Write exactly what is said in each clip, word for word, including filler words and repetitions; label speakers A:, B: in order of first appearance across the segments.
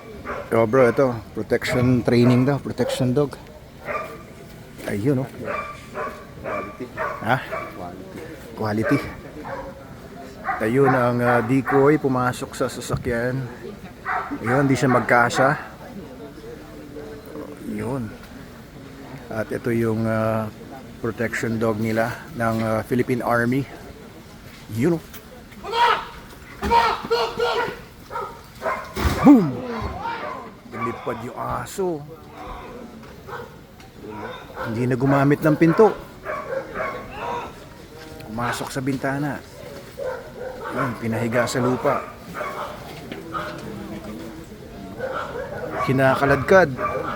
A: Oh bro, ito, protection training daw, protection dog. Ayun oh. Ha? Quality. Ayun ang uh, decoy pumasok sa sasakyan. Ayun, hindi siya magkasya. Ayun. At ito yung uh, protection dog nila ng uh, Philippine Army. Yun oh. Boom! Lumipad yung aso. Hindi na gumamit ng pinto. Pumasok sa bintana. Yun, pinahiga sa lupa. Kinakaladkad.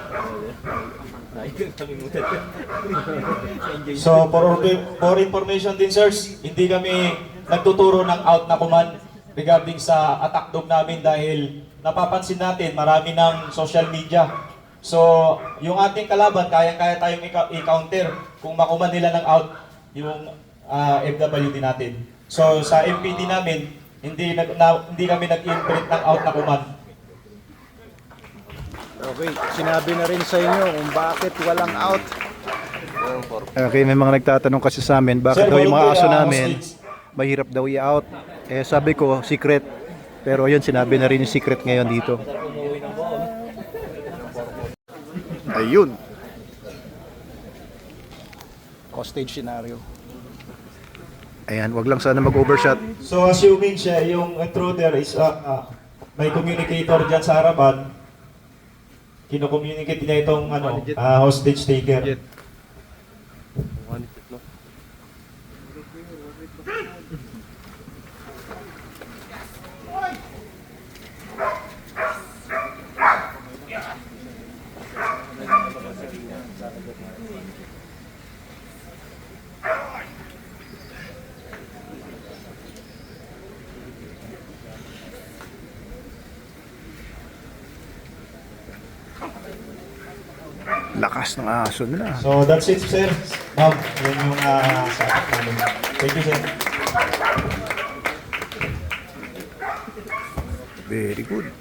B: So for, for information din sirs, hindi kami nagtuturo ng out na command regarding sa attack dog namin dahil napapansin natin marami ng social media. So yung ating kalaban, kaya-kaya tayong i-counter kung makuman nila ng out yung uh, F W D natin. So sa M P D namin, hindi, nag, na, hindi kami nag-imprint ng out na command.
A: Okay, sinabi na rin sa inyo kung bakit walang out. Okay, may mga nagtatanong kasi sa amin, bakit
B: Sir,
A: daw yung mga aso
B: volunteer, uh,
A: namin
B: hostage.
A: mahirap daw i-out. Eh sabi ko, secret. Pero yun, sinabi na rin yung secret ngayon dito. Ayun. Hostage scenario. Ayan, wag lang sana mag-overshot.
B: So assuming siya yung intruder is uh, uh, may communicator dyan sa harapan, kino-communicate niya itong ano, uh, hostage taker.
A: Lakas ng aso nila.
B: So that's it sir. Ma'am, yun yung uh, sa attack namin. Thank you sir.
A: Very good.